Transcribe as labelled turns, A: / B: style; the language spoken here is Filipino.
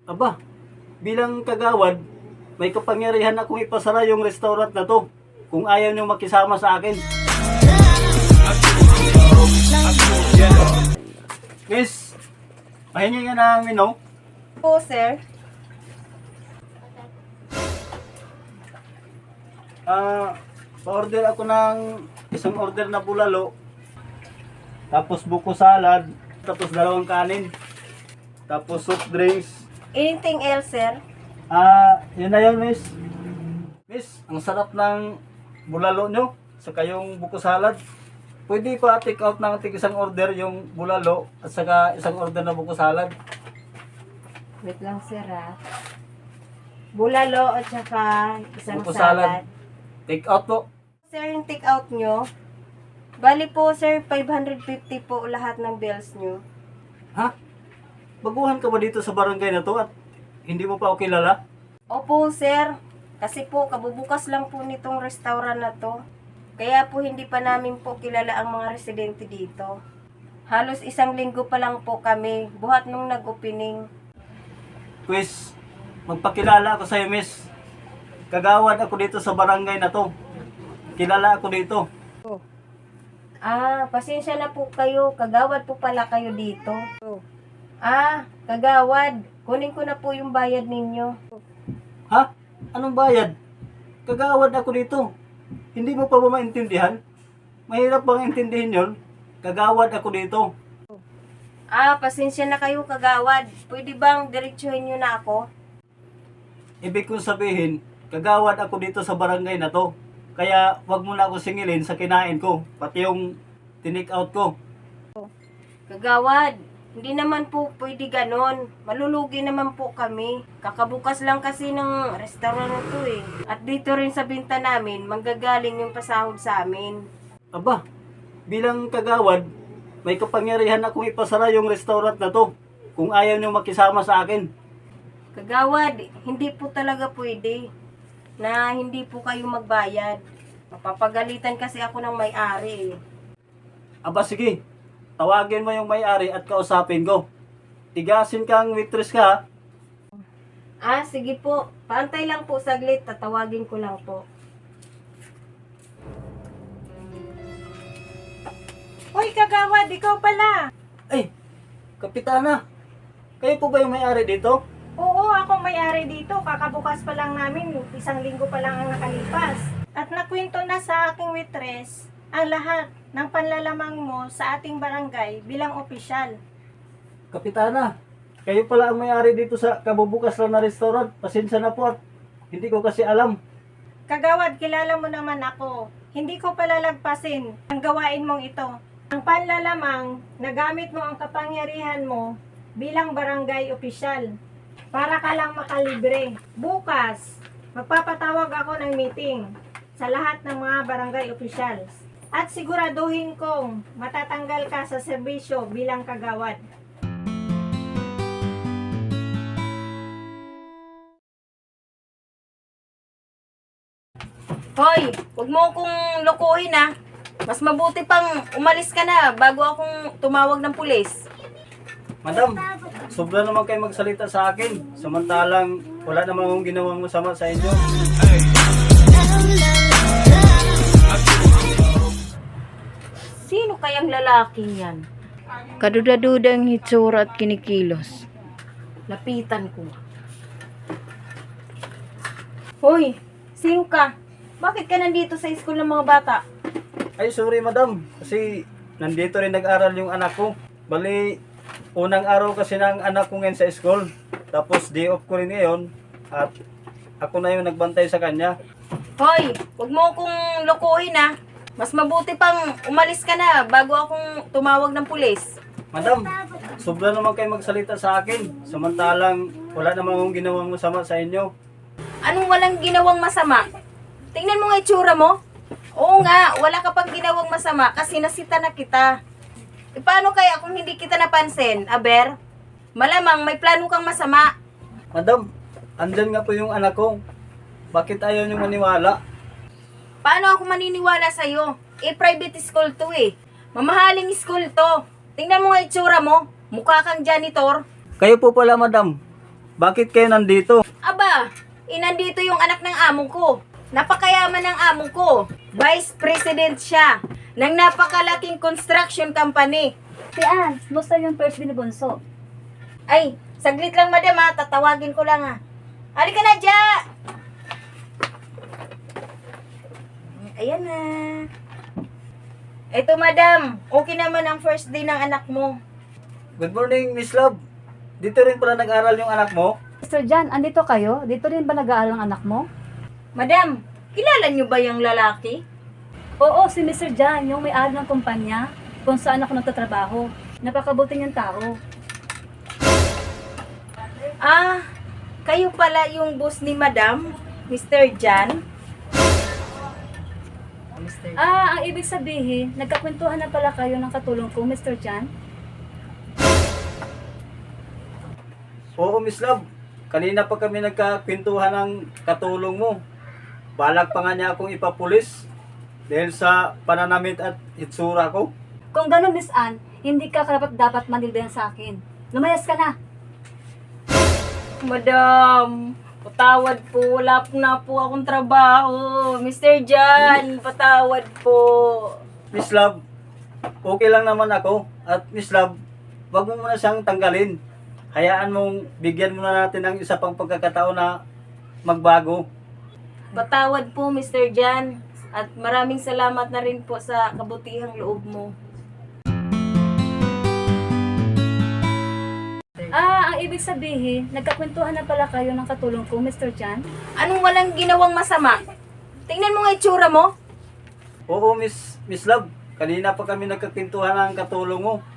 A: Aba, bilang kagawad, may kapangyarihan akong ipasara yung restaurant na to kung ayaw nyo makisama sa akin. Miss, mahingi nga ng menu.
B: Po, sir.
A: Pa-order ako ng isang order na bulalo, tapos buko salad, tapos dalawang kanin, tapos soft drinks.
B: Anything else, sir?
A: Yun na yun, miss. Miss, ang sarap ng bulalo nyo, saka yung buko salad. Pwede ko take out ng isang order yung bulalo at saka isang order na buko salad.
B: Wait lang, sir, ha? Bulalo at saka isang
A: Buko
B: salad.
A: Take out po.
B: Sir, yung take out nyo, bali po, sir, 550 po lahat ng bills nyo.
A: Ha? Baguhan ka ba dito sa barangay na to at hindi mo pa ako kilala?
B: Opo, sir. Kasi po, kabubukas lang po nitong restaurant na to. Kaya po, hindi pa namin po kilala ang mga residente dito. Halos isang linggo pa lang po kami, buhat nung nag-opening.
A: Quiz, magpakilala ako sa'yo, miss. Kagawad ako dito sa barangay na to. Kilala ako dito.
B: Pasensya na po kayo. Kagawad po pala kayo dito. Kagawad. Kunin ko na po yung bayad ninyo.
A: Ha? Anong bayad? Kagawad ako dito. Hindi mo pa ba maintindihan? Mahirap bang intindihin yon? Kagawad ako dito.
B: Pasensya na kayo, kagawad. Pwede bang diretsuhin nyo na ako?
A: Ibig kong sabihin, kagawad ako dito sa barangay na to. Kaya wag mo na ako singilin sa kinain ko, pati yung tinik out ko.
B: Kagawad, hindi naman po pwede ganon. Malulugi naman po kami. Kakabukas lang kasi ng restaurant na to eh. At dito rin sa binta namin, manggagaling yung pasahod sa amin.
A: Aba, bilang kagawad, may kapangyarihan akong ipasara yung restaurant na to kung ayaw nyo makisama sa akin.
B: Kagawad, hindi po talaga pwede na hindi po kayo magbayad. Mapapagalitan kasi ako ng may-ari eh.
A: Aba sige, tawagin mo yung may-ari at kausapin ko. Tigasin kang waitress ka ha?
B: Sige po. Paantay lang po saglit. Tatawagin ko lang po.
C: Hoy, kagawad, ikaw pala.
A: Ay, kapitana, kayo po ba yung may-ari dito?
C: Oo, ako may-ari dito. Kakabukas pa lang namin. Isang linggo pa lang ang nakalipas. At nakwento na sa aking waitress ang lahat ng panlalamang mo sa ating barangay bilang opisyal.
A: Kapitana, kayo pala ang may-ari dito sa kabubukas lang na restaurant. Pasensya na po at hindi ko kasi alam.
C: Kagawad, kilala mo naman ako. Hindi ko palalagpasin ang gawain mong ito. Ang panlalamang, nagamit mo ang kapangyarihan mo bilang barangay opisyal para ka lang makalibre. Bukas, magpapatawag ako ng meeting sa lahat ng mga barangay officials at siguraduhin kong matatanggal ka sa serbisyo bilang kagawad.
B: Hoy, huwag mo akong lokohin ha. Mas mabuti pang umalis ka na bago akong tumawag ng pulis.
A: Madam, sobra naman kayo magsalita sa akin. Samantalang wala naman akong ginawang masama sa inyo.
B: Sino kayang lalaking yan? Kaduda-dudang hitsura at kinikilos. Lapitan ko. Hoy, sino ka? Bakit ka nandito sa school ng mga bata?
A: Ay, sorry madam. Kasi nandito rin nag-aral yung anak ko. Bali, unang araw kasi ng anak ko ngayon sa school. Tapos day off ko rin ngayon. At ako na yung nagbantay sa kanya.
B: Hoy, huwag mo akong lokohin ha. Mas mabuti pang umalis ka na bago akong tumawag ng pulis.
A: Madam, sobra naman kayo magsalita sa akin. Samantalang wala naman akong ginawang masama sa inyo.
B: Anong walang ginawang masama? Tingnan mo nga itsura mo. Oo nga, wala ka pang ginawang masama kasi nasita na kita. E paano kaya kung hindi kita napansin, Aber? Malamang may plano kang masama.
A: Madam, andyan nga po yung anak ko. Bakit ayaw niyo maniwala?
B: Paano ako maniniwala sa'yo? Private school to eh. Mamahaling school to. Tingnan mo nga itsura mo. Mukha kang janitor.
A: Kayo po pala madam. Bakit kayo nandito?
B: Aba, inandito yung anak ng amo ko. Napakayaman ng amo ko. Vice President siya ng napakalaking construction company.
D: Si Ann, musta yung first binubunso?
B: Ay, saglit lang madam ha, tatawagin ko lang ha. Halika na, Ja! Ayan na. Eto madam, okay naman ang first day ng anak mo.
A: Good morning, Miss Love. Dito rin pala nag-aral yung anak mo?
D: Mr. John, andito kayo? Dito rin ba nag-aaral ang anak mo?
B: Madam, kilala niyo ba yung lalaki?
D: Oo, si Mr. John, yung may-ari ng kumpanya kung saan ako nagtatrabaho. Napakabuti niyang tao.
B: Ah, kayo pala yung boss ni Madam, Mr. Jan?
D: Ah, ang ibig sabihin, nagkakwentuhan na pala kayo ng katulong ko, Mr. John?
A: Oo, Miss Love. Kanina pa kami nagkakwentuhan ng katulong mo. Balak pa nga niya akong ipapulis dahil sa pananamit at itsura ko.
D: Kung gano'n, Miss Ann, hindi ka karapat dapat manilbihan sa akin. Lumayas ka na.
B: Madam, patawad po. Wala po na po akong trabaho. Mr. Jan, patawad po.
A: Miss Love, okay lang naman ako. At Miss Love, wag mo muna siyang tanggalin. Hayaan mong bigyan muna natin ng isa pang pagkakataon na magbago.
B: Patawad po, Mr. Jan. At maraming salamat na rin po sa kabutihang loob mo.
D: Ah, ang ibig sabihin, nagkakwentuhan na pala kayo ng katulong ko, Mr. John?
B: Anong walang ginawang masama? Tingnan mo nga itsura mo.
A: Oo, Miss Love. Kanina pa kami nagkakwentuhan ng katulong mo.